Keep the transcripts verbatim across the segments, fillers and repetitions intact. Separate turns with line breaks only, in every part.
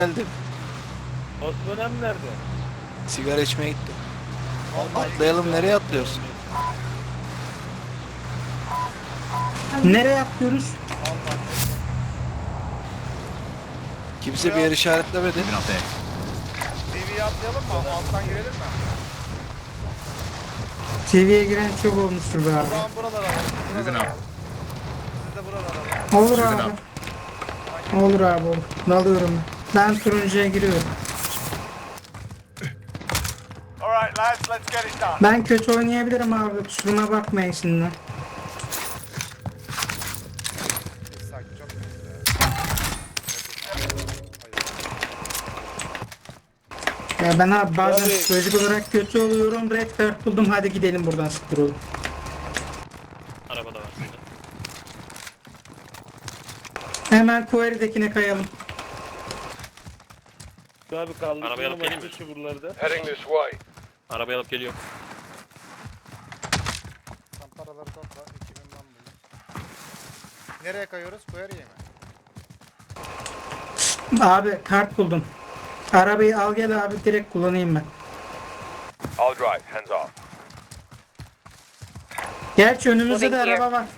Geldim.
Osman nerede?
Sigara içmeye gittim. Atlayalım, nereye atlıyoruz?
Nereye atlıyoruz?
Kimse bir yer işaretlemedi.
T V'ye atlayalım mı? Alttan girelim mi?
T V'ye giren çok olmuştur be abi.
Tamam buralara alalım. Buralara alalım. Siz de buralara alalım.
Olur abi. Olur abi olur. Dalıyorum ben. Ben turuncuya giriyorum.
Alright lads, let's get it done.
Ben kötü oynayabilirim abi. Kusuruma bakmayın şimdi.
Sakin, çok
Ya ben abi bazen
Abi.
psikolojik olarak kötü oluyorum. Red card buldum. Hadi gidelim buradan, sıfır olun.
Araba da var şurada.
Hemen Quarry'dekine kayalım.
Abi kaldı.
Arabaya alıp geleyim mi?
Şu buralarda.
Heading this way.
Arabayı alıp geliyorum.
Tam paraları topla. iki bin lan buldum. Nereye kayıyoruz? Quarry'e mi?
Abi kart buldum. Arabayı al gel abi, direkt kullanayım ben.
I'll drive, hands off.
Gerçi önümüzde de araba var.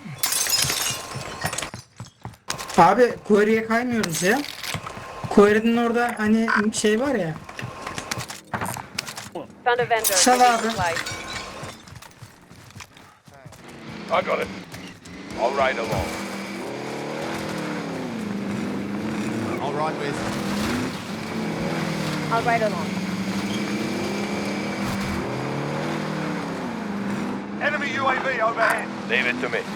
Abi Quarry'e kaymıyoruz ya. Quarry'nin orada hani şey var ya.
Found a vendor.
Sal
Taking
abi.
supplies.
I got it. I'll ride along.
I'll ride with.
I'll ride along.
Enemy U A V overhead. Leave it to me.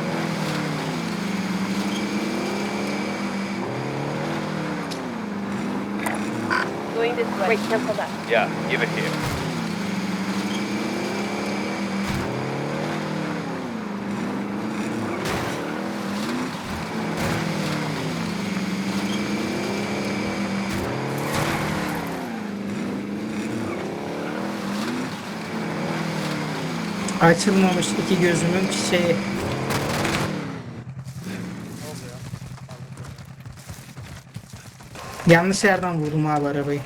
Going this way. Wait, cancel that.
Yeah, give it here.
Açılmamış iki gözümün şeyi. Yanlış yerden vurdum abi arabayı.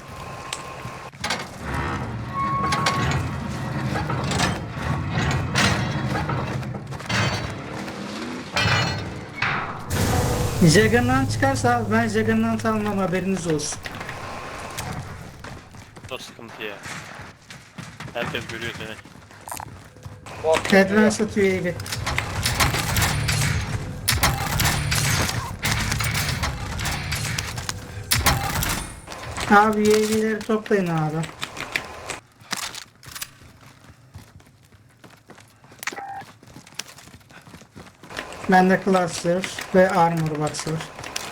Juggernaut çıkarsa ben Juggernaut almam, haberiniz olsun.
O sıkıntı ya. Herkes görüyor seni.
Advance atıyor evi. Abi U A V'leri toplayın abi. Bende cluster ve armor box var.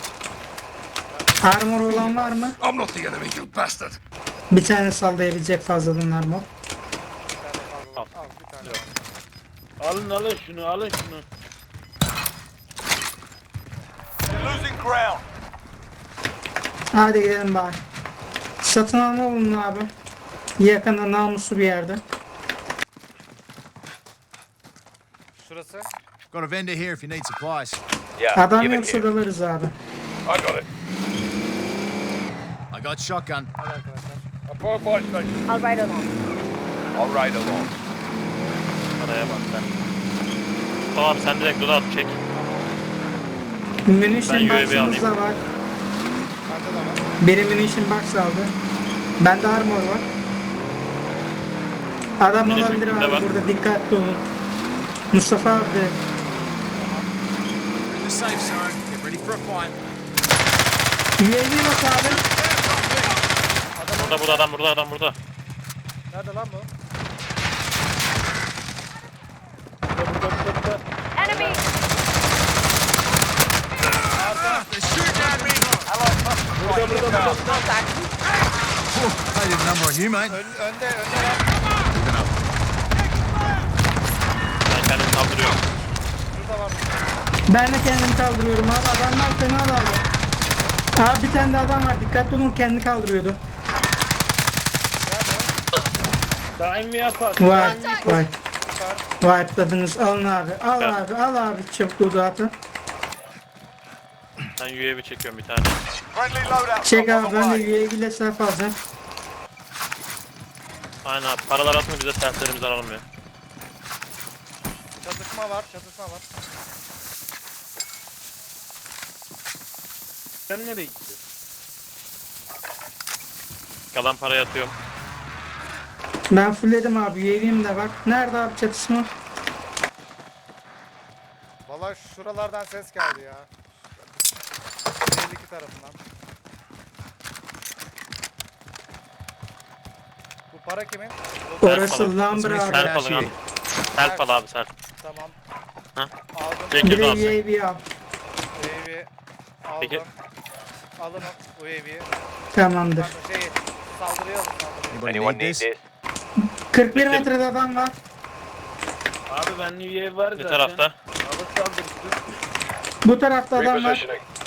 Armor olan var mı?
I'm not the enemy, you bastard.
Bir tane sallayabilecek fazladan armor.
Al bir tane.
Alın alın şunu alın şunu.
Losing ground.
Hadi gidelim bari. Satın alma bulun abi. Yakında namuslu bir yerde.
Şurası.
Got a vendor here if you need supplies.
Yeah,
Adam
give
yok,
it here.
şuralarız abi.
I got it.
I got shotgun.
Hadi arkadaşlar. A firefight station.
I'll ride along.
I'll ride along.
Araya bak sen. Tamam sen direkt loadout çek.
Munition
Ben U A V
box'ımız da
alayım.
var.
Bende de var.
Biri munition box aldı. Bende armor var. Adam
Munition
olabilir
kimde
abi
var?
burada, dikkatli olun. Mustafa abi de.
We're in the safe zone. Get ready for a fight.
U A V bak abi.
Burada burada adam burada adam burada.
Nerede lan bu?
Enemy!
They're shooting at me.
Contact.
They did a number on you, mate.
Ön, önde, önde lan.
Moving up.
Ben kendimi kaldırıyorum.
Şurada var.
Ben de kendimi kaldırıyorum abi. Adamlar fena daldı. Abi bir tane de adam var. Dikkatli olun, kendini kaldırıyordu.
Daim mi yapar?
Vay vay. Vay atladınız. Alın abi. Al abi. Al abi. Çabuk dağıtın.
Ben U A V çekiyorum bir tane.
Friendly loadout.
Çek
drop on
abi
the
ben de
way.
U A V ile self alacağım.
Aynen abi. Paralar atma bize sertlerimizi alalım ya.
Çatışma var, çatışma var.
Sen nereye gittin?
Kalan parayı atıyorum.
Ben fullledim abi. U A V'm de var. Nerede abi çatışma?
Valla şuralardan ses geldi ya. elli iki tarafından. Bu para kimin?
Orası
falan.
Lumber abi.
Self alın abi. Self al abi self.
Tamam.
Ha?
Aldım.
Bir
Çekil
de U
abi.
A V al.
U A V aldım.
Peki.
Alın o U A V'yi.
Tamamdır.
Pardon şeyi saldırıyor saldırıyor.
Anybody need this?
kırk bir
Peki.
metrede adam var.
Abi bende U A V var
Ne
zaten.
tarafta?
Hava saldırısı.
Bu tarafta adam var.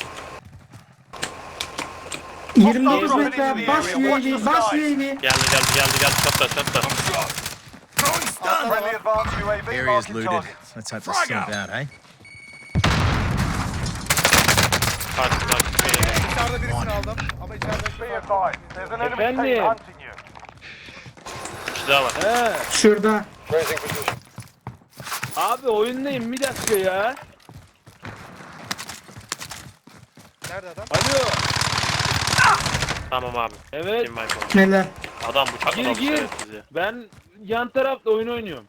yirmi dokuz metre abi. Bas U A V. Bas U A V.
Geldi geldi geldi geldi. Çatla çatla.
Friendly advanced U A V
Area's
marking
looted.
targets.
Let's hope this snuff out, eh?
Parti parti.
Dışarıda birisini aldım ama içeride
Be advised, there's an enemy
Efendim?
team hunting you.
Bir kişi daha var.
He.
Şurada.
Abi oyundayım bir dakika ya.
nerede adam?
Alo.
Tamam abi.
Evet.
Team wipe oldu.
Neler?
Adam bıçak
Gir
adamı
gir.
şerefsiz ya.
Ben yan tarafta oyun oynuyorum.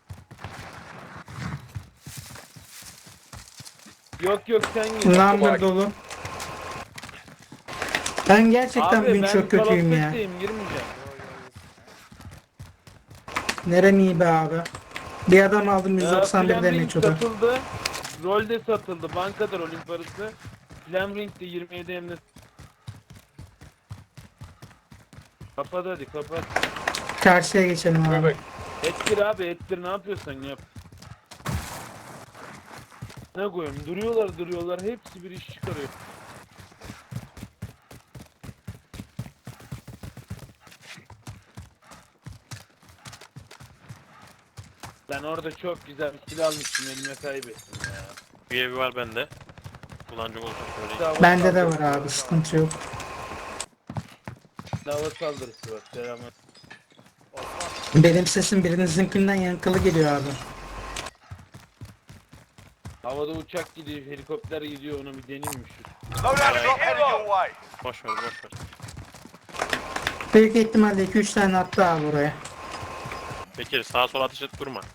Yok yok sen gir.
Lumber dolu. Ben gerçekten
Abi
bugün
ben
çok kötüyüm ya.
Call of Duty'yim, girmeyeceğim.
Nerem iyi be abi. Bir adam aldım yüz
Ya,
doksan bir
Flaming
damage o da.
satıldı. Rolde satıldı. Bankadır rolün parası. Flamring'de yirmi yedi emniyet. Kapat hadi kapat.
Karşıya geçelim abi.
Ettir abi ettir ne yapıyorsan yap. Ne koyayım duruyorlar duruyorlar hepsi bir iş çıkarıyor. Ben orada çok güzel bir silah almıştım elime kaybettim ya.
U A V var bende. Kullanacak olursa söyleyeyim.
Hava
Bende de var
saldırısı
abi sıkıntı yok.
Hava saldırısı var selamlar.
Benim sesim birinizinkinden yankılı geliyor abi.
Havada uçak gidiyor helikopter gidiyor onu bir deneyim mi şu?
Loadout drop headed your way.
Boş ver boş ver.
Büyük ihtimalle iki üç tane attı abi oraya.
Bekir sağa sola ateş et durma.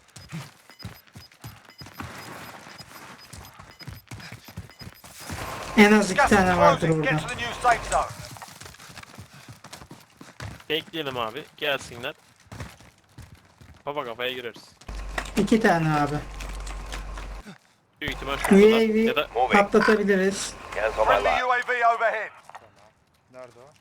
En az iki
Gas is
tane vardır
closing.
burada.
Get to the new safe zone.
Bekleyelim abi. Gelsinler. Kafa kafaya gireriz.
İki tane abi.
Büyük ihtimal
U A
şurada ya da
V patlatabiliriz.
Friendly U A V overhead.
Nerede o?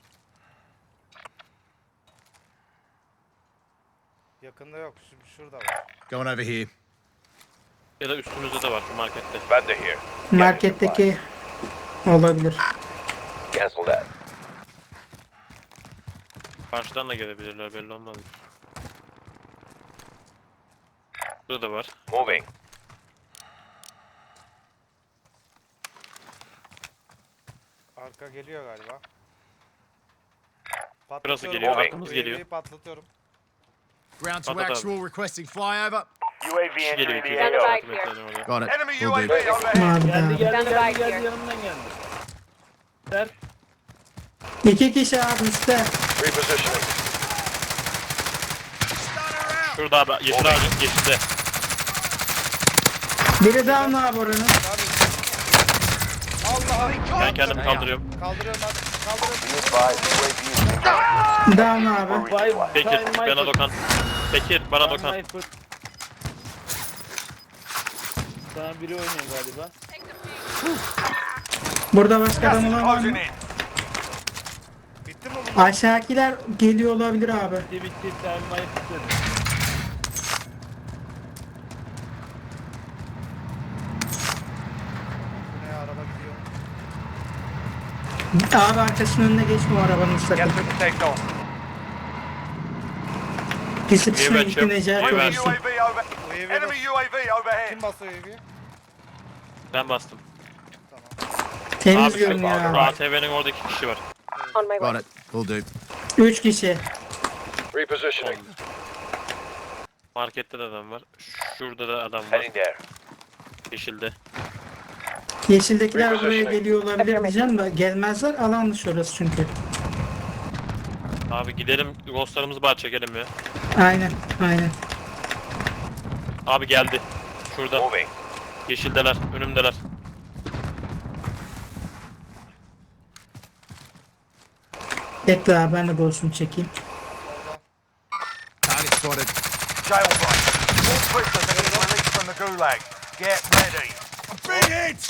Yakında yok. Şu, şurada var.
Going over here.
ya da üstümüzde de var şu markette.
Ben de here.
Marketteki olabilir.
Cancel that.
Karşıdan da gelebilirler belli olmaz. Burada da var.
Moving.
Arka geliyor galiba.
Burası
Patlatıyorum.
geliyor,
U A V'yi
arkamız geliyor.
Patlatıyorum.
Ground to
Hadi abi.
actual requesting flyover.
U A V
Kişi geliyor
entering
iki
the
yüz
Stand
altmış
A O.
by
altı metreden oraya.
Got it.
Enemy
Will
U A
do.
V overhead.
Abi
Geldi
abi.
geldi
Stand by
geldi geldi
here.
yanımdan geldi. Ver.
İki kişi abi üstte.
Repositioning.
Şurada abi yeşil ağacın yeşilde.
Biri down abi oranın.
Allah
Ben kendimi kaldırıyorum.
Kaldırıyorum hadi. Kaldırıyorum.
Be advised, U A V is
Down abi.
Vay
Bekir
time my
bana
foot.
dokan. Bekir bana
Time
dokan.
my foot. Sana biri oynuyor galiba.
Burada başka
gas
adam
is
olan var
closing
mı?
in.
Bitti mi bu?
Aşağıdakiler geliyor olabilir abi.
Bitti bitti time my foot dedi.
Bu ne ya, araba gidiyor.
Abi arkasının önüne geçme o arabanın sakın.
Get to the safe zone.
Pisi pisine
Güven
gitti
çöp.
Necati
Güven.
olursun.
U A V over.
U A V
Enemy U A V overhead.
Kim basıyor U A V'yi?
Ben bastım.
Tamam.
Temiz
Abi
görünüyor
şu
abi.
A T V'nin orada iki kişi var.
On my way.
Got it. Will do.
Üç kişi.
Repositioning.
Markette de adam var. Şurada da adam var.
Heading there.
Yeşilde.
Yeşildekiler buraya
Repositioning.
geliyor olabilir diyeceğim de gelmezler. Alan dışı orası çünkü.
Abi gidelim ghostlarımızı bari çekelim ya.
Aynen. Aynen.
Abi geldi. Şurada.
Moving.
Yeşildeler. Önümdeler.
Bekle abi ben de ghost'umu çekeyim.
Target spotted.
Jailbreak. All prisoners have been released from the gulag. Get ready.
Big hit!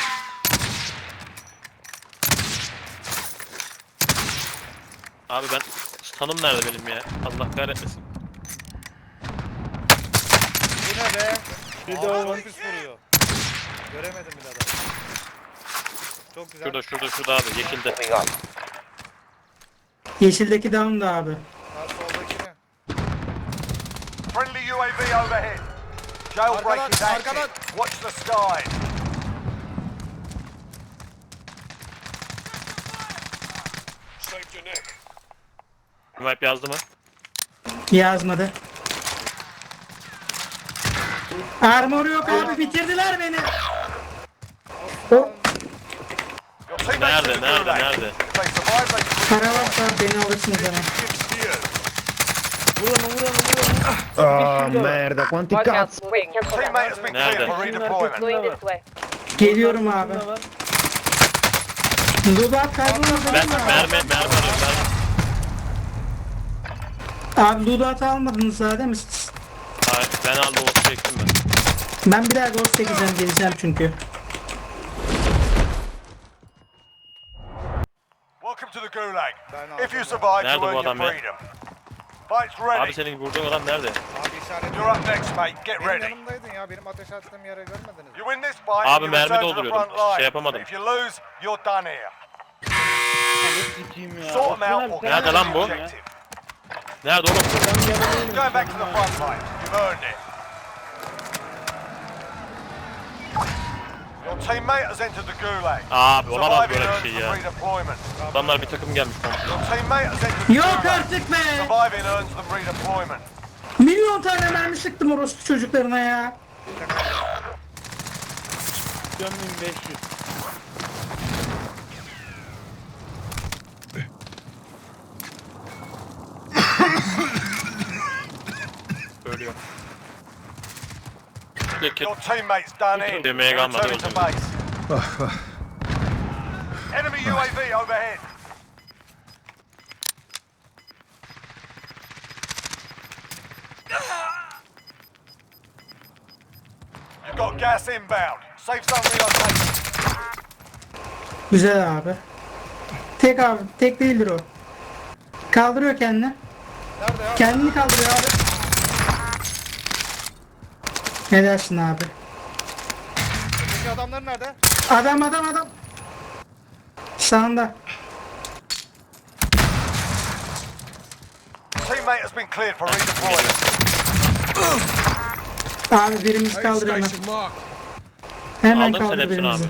Abi ben tanım nerede benim ya? Allah kahretmesin.
Bu ne be?
Bir de
Ağzına
o.
pis vuruyor. Göremedim bile adamı. Çok güzel.
Şurada şurada şurada abi yeşilde.
Moving up.
Yeşildeki down da abi.
Ha, soldakini.
Friendly U A V overhead. Jailbreak
Arkadan,
is active.
arkadan.
Watch the skies. Saved your neck.
Map yazdı mı?
Yazmadı. Armor yok abi bitirdiler beni. O
Your teammates
Nerede
in the
nerede
gulag.
nerede?
If they survive, they can
para varsa beni alırsınız hemen.
Vurun vurun vurun.
Oh merda, quanti
Watch out.
cazzo!
Wait, cancel that.
Teammate has been
Nerede?
cleared for redeployment.
Going this way.
Geliyorum abi.
Şunda var.
Dudat kaybolmaz
Ben
değil mi abi?
mermi mermi arıyorum mermi.
Abi Dudat almadınız daha değil mi siz?
Hayır ben aldım o çektim ben.
Ben bir daha ghost çekeceğim geleceğim çünkü.
Welcome to the gulag.
Ben
If you
aldım
survive,
Nerede
you
bu
earn your
adam ya?
freedom. Fight's
Abi
ready.
senin vurduğun adam nerede?
Abi işaret.
You're up next, mate. Get
Benim
ready.
yanımdaydın ya. Benim ateş attığım yere görmediniz mi?
You win this fight,
Abi
you
mermi
return to the
dolduruyordum.
front line.
Şey yapamadım.
If you lose, you're done here.
Ne sikeyim ya.
Sort them
Osman
out
abi,
or
sen
Nerede lan bu?
neredesin ya?
objective.
Nerede oğlum?
Adam yanındaymış
Going back to the
yanına.
front line. You've earned it. Your teammate has entered the gulag.
Abi olamaz
Surviving
böyle bir
earns
şey
them
ya.
redeployment.
Adamlar bir takım gelmiş komple.
Your teammate has entered the
Yok
gulag.
artık be!
Surviving earns them redeployment.
Milyon tane mermi sıktım orospu çocuklarına ya.
bin beş yüz.
Ölüyor. Peki.
Your teammate's done in.
Demeye
You're
kalmadı
returning to
o
base. Enemy U A V overhead. You've got gas inbound. Safe zone relocation.
Güzel abi. Tek abi, tek değildir o. Kaldırıyor kendini.
Nerede ya?
Kendini kaldırıyor abi. Ne dersin abi?
Öteki adamlar nerede?
Adam adam adam. Sağında.
Teammate has been cleared for redeployment.
Abi birimizi kaldır hemen.
Station mark.
Hemen
Aldın sen
kaldır
hepsini
birimizi.
abi.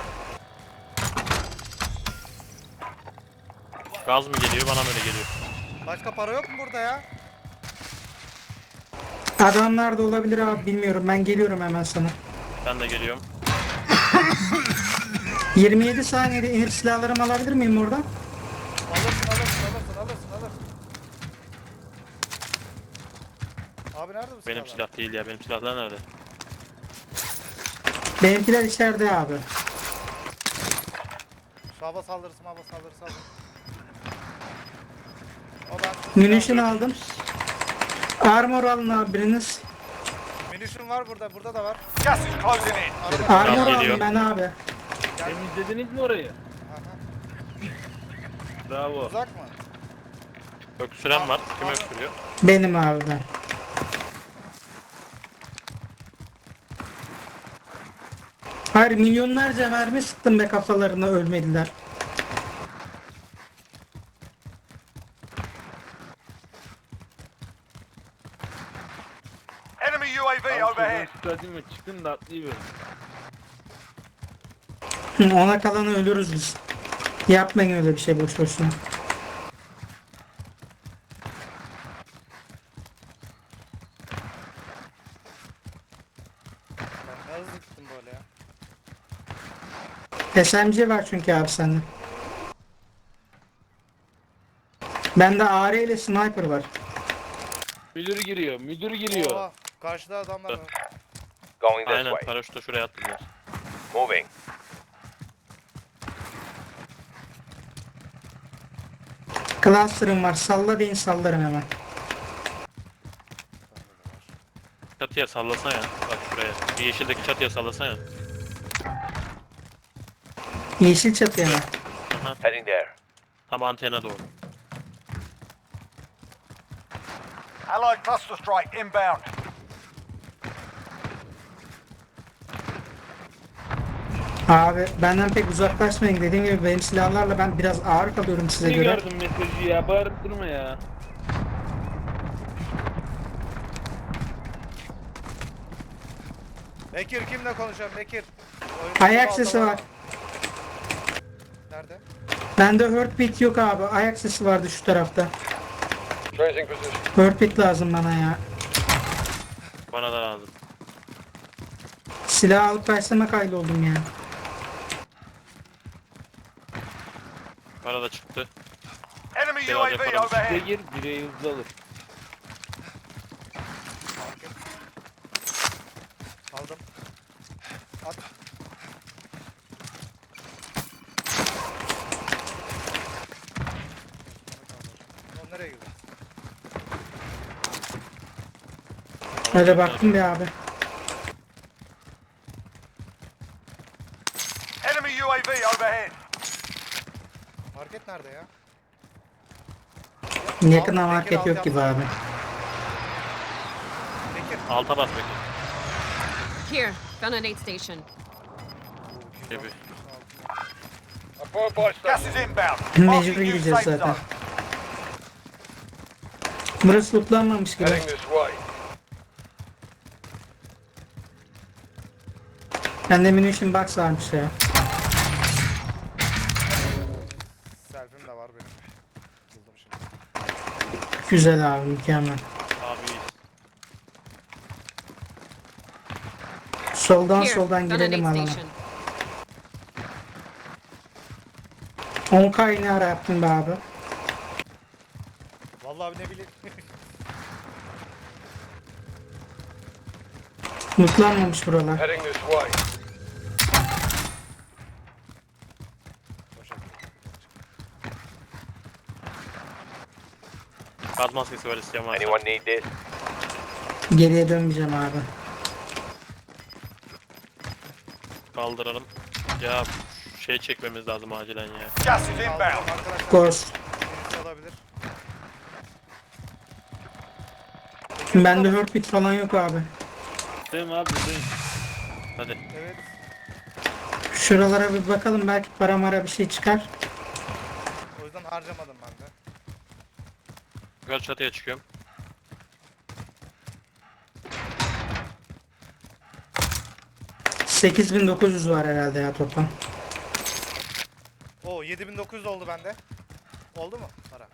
Gaz mı geliyor bana mı öyle geliyor?
Başka para yok mu burada ya?
Adamlar da olabilir abi bilmiyorum. Ben geliyorum hemen sana.
Ben de geliyorum.
yirmi yedi saniyede inip silahlarımı alabilir miyim oradan?
Alırsın alırsın alırsın alırsın alırsın. Abi nerede bu
Benim
silahlar?
silah değil ya. Benim silahlar nerede?
Benimkiler içeride abi.
Şu hava saldırısı hava saldırısı alın. O ben
Munition aldım. Armor alın abi biriniz.
Munition var burada, burada da var.
Gas is closing in.
Araba.
Armor
Tamam,
aldım
geliyor.
ben abi.
Temizlediniz mi orayı?
Aha.
Bravo.
Uzak mı?
Öksüren var. Kim öksürüyor?
Benim abi ben. Hayır milyonlarca mermi sıktım be kafalarına ölmediler.
Enemy U A V
Al şuradan
overhead.
çıkartayım ve çıkın da atlayıverin.
Hı, ona kalanı ölürüz biz. Yapmayın öyle bir şey boş boşuna.
Ben ne hızlı gittim böyle ya.
S M G var çünkü abi sende. Bende A R ile sniper var.
Müdür giriyor, müdür giriyor.
Oha, karşıda adamlar var.
Going this
Aynen
way.
paraşütle şuraya attılar.
Moving.
Cluster'ım var. Salla deyin sallarım hemen.
Çatıya sallasana ya. Bak şuraya. Bir yeşildeki çatıya sallasana ya.
Yeşil çatıya mı?
Heading there.
Tam antene doğru.
Allied cluster strike inbound.
Abi benden pek uzaklaşmayın. Dediğim gibi benim silahlarla ben biraz ağır kalıyorum size
Ne
göre.
gördüm mesajı ya, bağırıp durma ya.
Bekir kimle konuşuyorum Bekir? Oyunun
Ayak
altı
sesi
mı?
var.
Nerede?
Bende heartbeat yok abi. Ayak sesi vardı şu tarafta. Heartbeat lazım bana ya.
Bana da lazım.
Silah alıp verseme kaydoldum ya.
Bana da çıktı.
Enemy
Biraz
U A V
yapalım.
overhead.
Bire gir, bire hızlı alır.
Aldım. At. Oğlum nereye gidiyor?
Öyle baktım bir abi.
Enemy U A V overhead.
Market nerede ya?
Yakına
Bekir,
market
alt
yok
yap.
gibi abi.
Bekir.
Alta bas Bekir.
Here, found an aid station.
Gibi.
Gas is inbound.
Mecbur
Marking new
gideceğiz
safe
zaten.
zone.
Burası lootlanmamış gibi. Bende munition box varmış ya.
Selfim de var benim. Buldum şimdi.
Güzel abi, mükemmel.
Abi
Soldan
Here,
soldan
found an
girelim
aid
alana.
station.
on K ne ara yaptın be abi?
Vallahi ne bileyim.
Lootlanmamış buralar.
Heading this way.
gaz maskesi var isteyen varsa.
Anyone need this?
Geriye dönmeyeceğim abi.
Kaldıralım. Ya şey çekmemiz lazım acilen ya.
Gas is
Aldım
inbound.
arkadaşlar.
Ghost.
Birisi olabilir.
Bende heartbeat falan yok abi.
Değil mi abi, değil.
Hadi.
Evet.
Şuralara bir bakalım, belki para mara bir şey çıkar.
O yüzden harcamadım ben de.
Yukarı çatıya çıkıyorum.
sekiz bin dokuz yüz var herhalde ya toplam.
Oo yedi bin dokuz yüz oldu bende. Oldu mu para?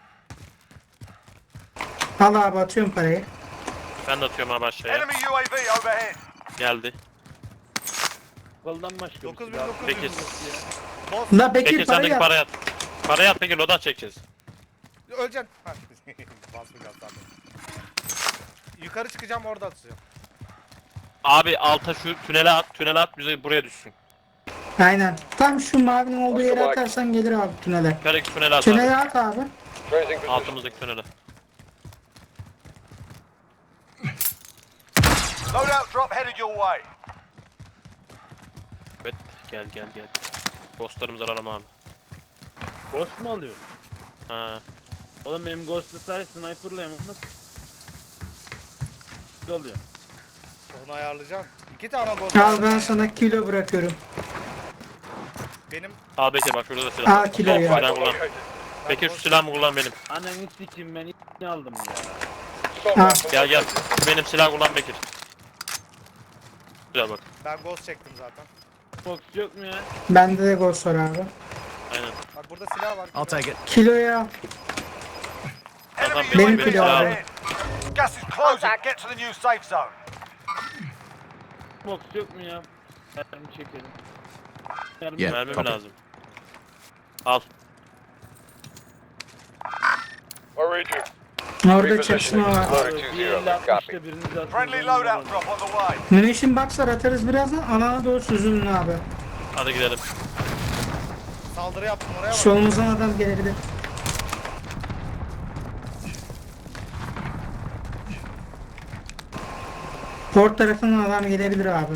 Al abi, atıyorum parayı.
Ben de atıyorum abi aşağıya.
Enemy U A V overhead.
Geldi.
Koldan başka bir
dokuz bin
silah.
dokuz
Peki.
yüz. Boss.
La Bekir,
Peki
parayı
sendeki
at.
parayı at. Parayı at peki loadout çekeceğiz.
Öleceksin. Ha, basmayacağım sandım. Yukarı çıkacağım, orada atacağım.
Abi alta şu tünele at. Tünele at bize buraya düşsün.
Aynen. Tam şu mavinin olduğu yere atarsan gelir abi tünele.
Yukarıdaki tünele at abi.
Tünele at abi.
Altımızdaki tünele.
Loadout drop headed your way.
Evet gel gel gel. Ghostlarımızı alalım abi.
Ghost mu alıyor?
Ha.
Oğlum benim Ghost'la sadece sniper'la nasıl? Alıyor.
Onu ayarlayacağım. İki tane boss.
Al, ben sana kilo bırakıyorum.
Benim
Al Bekir bak şurada da silah.
Al kiloyu.
Al, silah kullan. Bekir şu silahımı kullan benim.
Ananı sikeyim, ben ne aldım ya.
Ha,
Gel gel. Şu benim silah kullan Bekir. Güzel bak.
ben ghost çektim zaten.
Box yok mu ya?
Bende de ghost var abi.
Aynen.
Bak burada silah var.
I'll take it.
Kiloya al.
Adam
Enemy
Benim
U A V
kilo abi.
overhead. Gas is closing. Get to the new safe zone.
Box yok mu ya? Mermi çekelim. Mermi
Yeah.
Mermi mi
copy.
lazım? Al.
Orada çatışma var.
Abi, bir elli altmışta biriniz aslında.
Friendly loadout drop on the way.
Munition box'lar atarız birazdan. Alana doğru süzülün abi.
Hadi gidelim.
Saldırı yaptım oraya bak.
Solumuzdan adam gelebilir. Port tarafından adam gelebilir abi.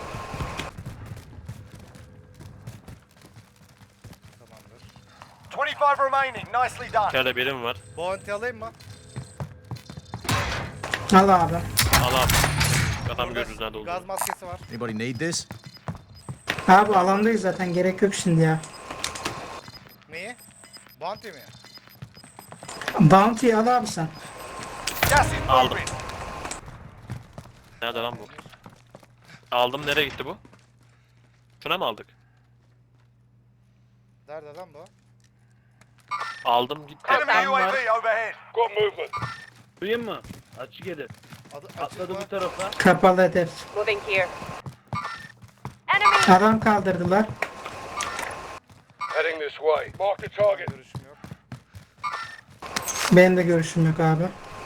Tamamdır.
twenty-five remaining. Nicely done.
İçeride birim var.
Bounty alayım mı?
Al abi.
Al abi. Adam görürüz nerede
Gaz
olduğunu.
maskesi var.
Anybody need this?
Abi alandayız zaten, gerek yok şimdi ya.
Neyi? Bounty mi?
Bounty al abi sen.
Gas is
Aldım.
moving.
Nerede lan bu? Aldım, nereye gitti bu? Şuna mı aldık?
Nerede lan bu?
Aldım gitti.
Enemy U A V overhead.
Duyayım mı? Açık edin.
Adı açık
Atladı
mı?
bu tarafa.
Kapalı hedef.
Moving here. Enemy!
Adam kaldırdılar.
Heading this way. Mark the target.
Görüşüm yok.
Benim de görüşüm yok abi.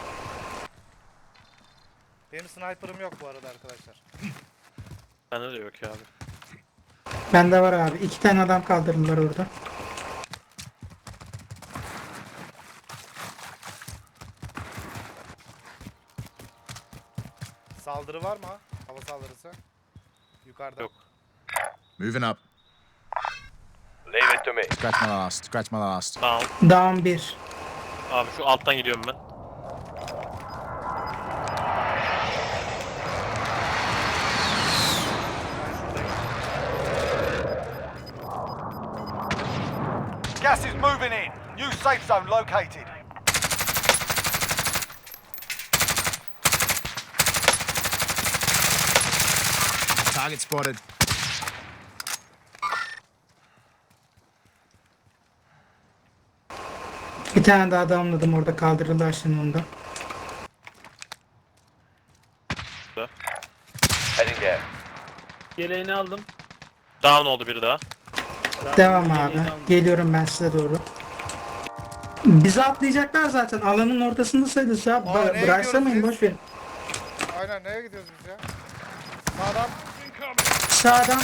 Benim sniper'ım yok bu arada arkadaşlar.
Bende de yok ya abi.
Bende var abi. İki tane adam kaldırdılar orada.
Saldırı var mı? Hava saldırısı. Yukarıda.
Yok.
Moving up.
Leave it to me.
Scratch my last. Scratch my last.
Down.
Down bir.
Abi şu alttan gidiyorum ben.
Gas is moving in. New safe zone located.
Target spotted.
Bir tane daha damladım orada, kaldırdılar şimdi onu da.
Heading there.
Yeleğini aldım.
Down oldu biri daha.
Devam
Yeleğini
abi.
aldım.
Geliyorum ben size doğru. Bizi atlayacaklar zaten. Alanın ortasında sayılırız ya.
Aa,
Ba-
nereye
Bıraksamayın,
gidiyoruz
boş verin.
Aynen nereye gidiyoruz biz ya? Sağdan.
Sağdan.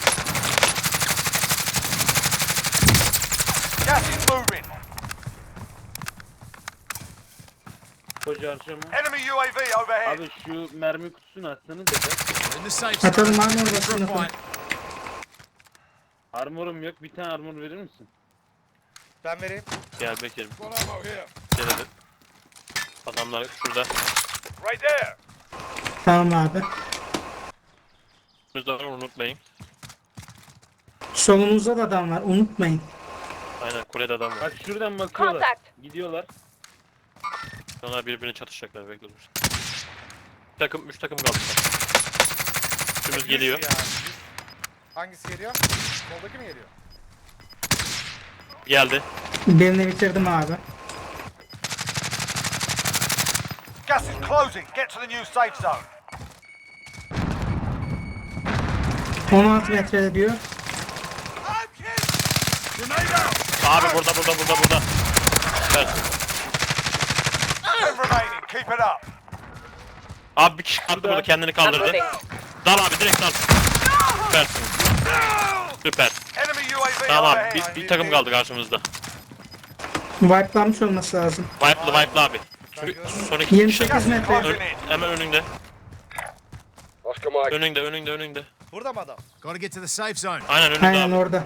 Gas is moving.
Koca harcama.
Enemy U A V overhead.
Abi şu mermi kutusunu atsanız da.
We're in the safe zone.
Atalım abi
Ready for
orasını.
a fight.
Armorum yok. Bir tane armor verir misin?
Ben vereyim.
Gel Bekir'im. Gel hadi. Adamlar şurada.
Right there.
Tamam abi.
Önümüzde var, unutmayın.
Solumuzda da adam var, unutmayın.
Aynen, kulede adam var.
Bak şuradan bakıyorlar.
Contact.
Gidiyorlar.
Onlar birbirini çatışacaklar, bekliyoruz. Bir takım, üç takım kaldı. Üçümüz geliyor.
Yani. Hangisi geliyor? Soldaki mi geliyor?
Geldi.
Birini bitirdim abi.
Gas is closing. Get to the new safe zone.
on altı metrede diyor.
Abi burada, burada, burada, burada. Evet.
Ten remaining. Keep it up.
Abi bir kişi kalktı burada, kendini
I'm
kaldırdı.
moving.
Dal abi, direkt dal. Süpersin. Süper.
Enemy U A V
Tamam,
overhead.
bir, bir takım kaldı karşımızda.
Wipe'lanmış olması lazım.
Wipe'lı, wipe'lı abi. Çünkü son iki
yirmi
kişi.
sekiz metre.
Ön- hemen önünde. Önünde, önünde, önünde.
Burada mı adam?
Gotta get to the safe zone.
Aynen önünde
Aynen
abi.
orada.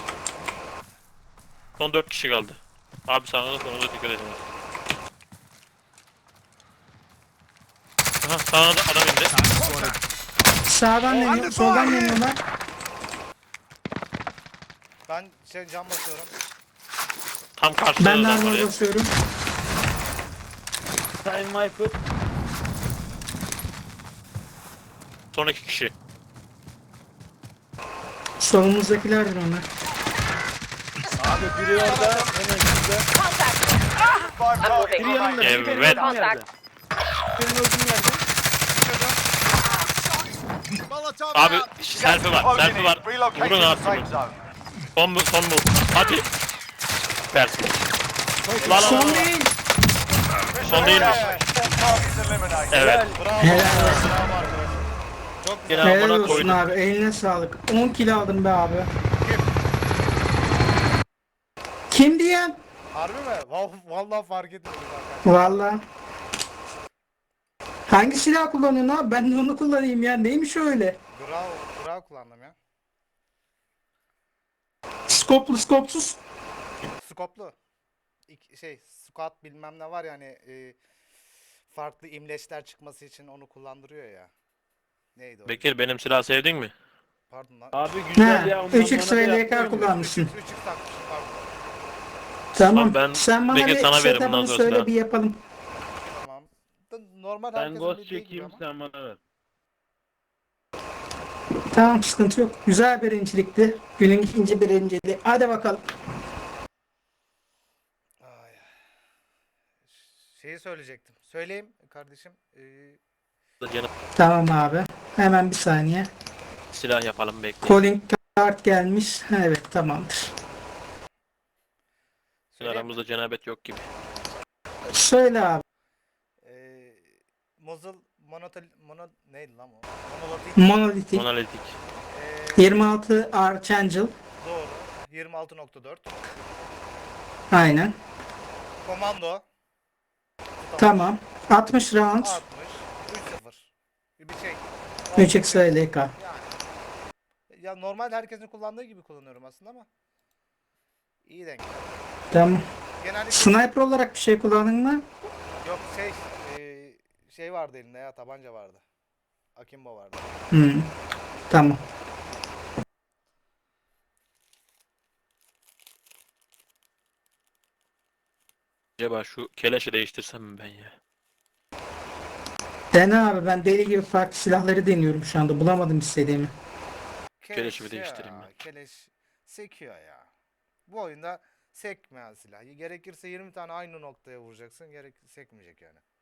Son dört kişi kaldı. Abi sana da sana da dikkat edin. Aha, sana da adam indi.
Target spotted.
Sağdan deniyor, soldan deniyorlar.
Ben şey cam basıyorum.
Tam karşıda
Ben de
adam var
armor
ya.
basıyorum.
Time Viper.
Son iki kişi.
Solumuzdakilerdir onlar.
Abi biri orada hemen şurada.
Five
Biri yanımda. Biri benim
Evet.
öldüğüm yerde. Benim öldüğüm yerde.
Molotov
Abi
out.
selfie var, selfie var.
Relocating
Vurun
the
abi.
safe zone.
Son bu, son bu. Hadi. Süpersin. La la la.
Son değil.
Son değilmiş.
Four targets eliminated.
Evet.
Helal olsun.
Yine
Helal
amına
olsun
koydum.
abi. Eline sağlık. on kill aldım be abi. Kim diyen?
Harbi mi? Vallahi, vallahi fark etmedim zaten.
Valla. Hangi silah kullanıyorsun abi? Ben de onu kullanayım ya. Neymiş öyle?
Bravo, bravo kullandım ya.
Skoplu skopsuz.
Skoplu. İk- şey, squat bilmem ne var yani e, farklı imleçler çıkması için onu kullandırıyor ya. Neydi o?
Bekir benim silah sevdin mi?
Pardon lan.
Abi güzel
Ne?
ya. ondan
üç x
bana da
ve L K
yaptırıyor.
kullanmışsın.
üç x takmışım pardon.
Tamam.
ben
Sen bana
Bekir
bir
sana veririm bundan
setup'ını
sonrasını.
söyle bir yapalım.
Tamam. Da- Normal
Ben
herkesin
ghost
bildiği gibi
çekeyim
ama.
sen bana ver.
Tamam sıkıntı yok. Güzel birincilikti. Günün ikinci birinciliği. Hadi bakalım.
Ay. Şeyi söyleyecektim. Söyleyeyim kardeşim. Ee,
Canım,
Tamam abi. Hemen bir saniye.
silah yapalım bekle.
Calling card gelmiş. Evet tamamdır.
söyleyeyim mi?
Aramızda cenabet yok gibi.
Söyle abi.
Ee, Muzzle monotol mono neydi lan o? Monolitik.
Monolithic.
Monolitik.
Ee,
yirmi altı Archangel.
doğru. yirmi altı nokta dört.
Aynen.
Komando.
Tamam. altmış round.
altmış. üç sıfır. Bir şey.
üç x ve L K.
Yani. Ya normal herkesin kullandığı gibi kullanıyorum aslında ama. İyi denk.
Tamam.
Genellikle
Sniper olarak bir şey kullandın mı?
yok şey e, şey vardı elinde ya tabanca vardı. Akimbo vardı.
Hmm. Tamam.
Acaba şu keleşi değiştirsem mi ben ya?
Dene abi ben deli gibi farklı silahları deniyorum şu anda. Bulamadım istediğimi.
Keleşi bir
ya,
değiştireyim ben.
Keleş sekiyor ya. Bu oyunda sekmeyen silah. Gerekirse yirmi tane aynı noktaya vuracaksın. Gerek sekmeyecek yani.